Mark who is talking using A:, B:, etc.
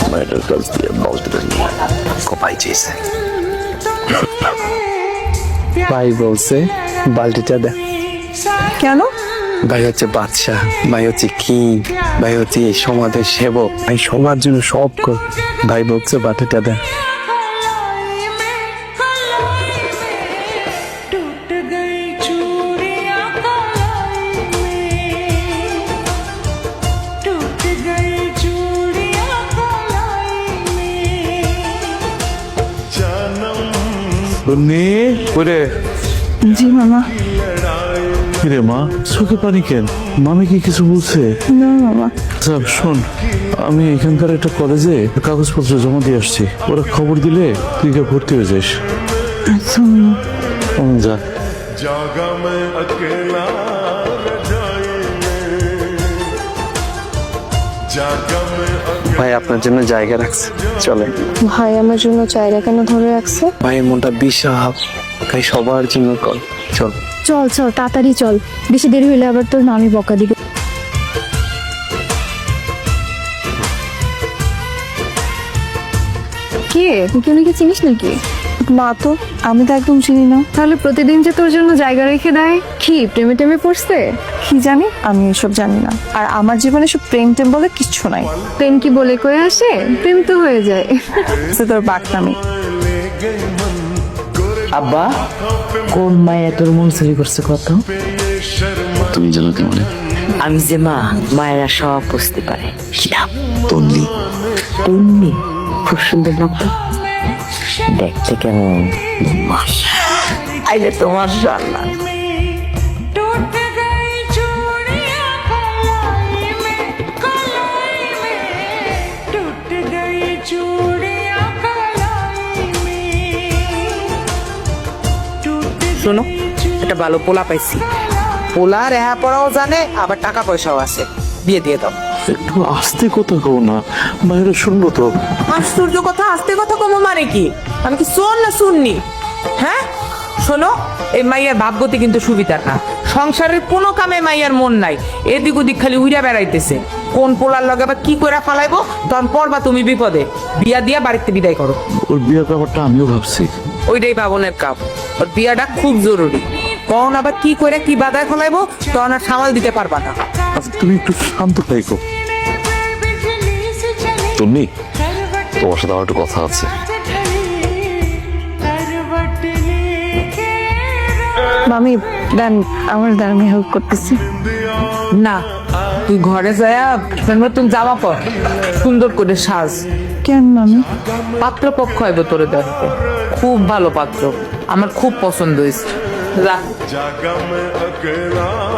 A: মায়ের কাছ দিয়ে বালতিটা নিয়ে কপাই চেয়েছে। ভাই বলছে বালতিটা দে।
B: কেন?
A: ভাই হচ্ছে বাদশাহ, ভাই হচ্ছে কিং, ভাই হচ্ছে এই সমাজের সেবক, ভাই সবার জন্য সব কর। ভাই বলছে বালতিটা দে।
B: জি মামা।
C: কিরে মা, চোখে পানি কেন? মামি কি কিছু বলছে?
B: না মামা।
C: আচ্ছা শোন, আমি এখানকার একটা কলেজে কাগজপত্র জমা দিয়ে আসছি, ওরা খবর দিলে তুই গিয়ে ভর্তি হয়ে যাস।
B: আচ্ছা মামা।
C: যা।
D: जागा मैं अकेला रजाई में, जागा मैं
A: ভাই আপনার জন্য জায়গা রাখছে, চলে।
B: ভাই আমার জন্য চাইরা কেন ধরে রাখছে?
A: ভাইয়ের মনটা বিশাল, ভাই সবার জন্য কর, চল।
B: চল চল তাড়াতাড়ি চল, বেশি দেরি হইলে আবার তোর মামি বকা দিবে। কে তুই? কেউ নাকি চিনিস নাকি? না তো, আমি তো একদম চিনি না। তাহলে প্রতিদিন যে তোর জন্য জায়গা রেখে দেয়, কি প্রেমে টেমে পড়ছে? কি জানি, আমি এসব জানি না। আর আমার জীবনে সব প্রেম টেম বলে কিচ্ছু নাই। প্রেম কি বলে কয়ে আসে? প্রেম তো হয়ে যায়। তোর বাকনামি।
E: আব্বা, কোন মায়া তোর মন চুরি করছে কত?
A: তুমি জানো কেমন?
E: আমি যে মা, মায়েরা সব বুঝতে পারে। কি নাম?
A: তন্নি।
E: তন্নি? খুব সুন্দর নাম তো। দেখতে কেমন? আইলে তোমার জানলা।
F: শোনো, একটা ভালো পোলা পাইছি। পোলা রেহা পড়াও জানে, আবার টাকা পয়সাও আছে। বিয়ে দিয়ে দাও।
C: একটু আস্তে কথা কও না, মায়েরা শুনবো তো।
F: আশ্চর্য কথা, আস্তে কথা কম মানে কি? আমি কি শোন না শুননি? হ্যাঁ শোনো, এই মাইয়ার ভাবগতি কিন্তু সুবিধার না। সংসারের কোনো কামে মাইয়ার মন নাই, এদিক ওদিক খালি উইরা বেড়াইতেছে। কোন পোলার লগে বা কি করে ফালাইবো, তখন পড়বা তুমি বিপদে। বিয়া দিয়া বাড়িতে বিদায় করো।
C: ওর বিয়ের ব্যাপারটা আমিও ভাবছি।
F: ওইটাই বাবনের কাপ, ওর বিয়াটা খুব জরুরি। কখন আবার কি করে কি বাধায় ফলাইবো, তখন আর সামাল দিতে পারবা না।
C: আচ্ছা তুমি একটু শান্ত থাকো।
A: তন্নি, তোমার সাথে আমার একটু কথা আছে।
B: মামি দেন, আমার দ্বারা আমি হেল্প করতেছি।
F: না, তুই ঘরে যায়া নতুন জামা পর, সুন্দর করে সাজ।
B: কেন মামি?
F: পাত্র পক্ষ হইব তোরে দেখতে, খুব ভালো পাত্র, আমার খুব পছন্দ হয়েছে। যা।
D: जागा मैं अकेला